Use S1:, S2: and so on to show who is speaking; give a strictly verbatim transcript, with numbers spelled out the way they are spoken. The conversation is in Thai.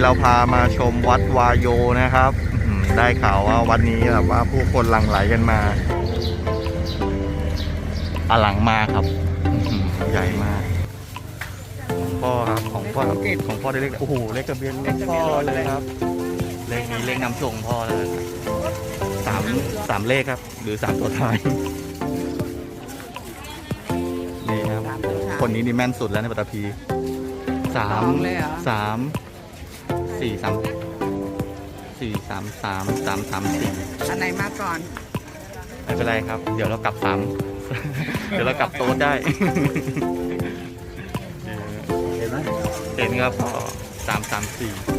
S1: เราพามาชมวัดวายโยนะครับได้ข่าวว่าวันนี้แบบว่าผู้คนหลั่งไหลกันมาอลังมากครับใหญ่มากพ่อครับของพ่อของพ่อได้เลขโอ้โหเลขทะเบียนพ่อเลยครับเลขนี้เลขนำส่งพ่อเลยสามสามเลขครับหรือสามตัวท้ายนี่ครับคนนี้นี่แม่นสุดแล้วในปัตตภีสามสามสี่สามสี่สามสามสามสามสี่
S2: อันไหนมาก่อน
S1: ไม่เป็นไรครับเดี๋ยวเรากลับสามเดี๋ยวเรากลับโต๊ะได้เห็นไหมเห็นครับสามสามสี่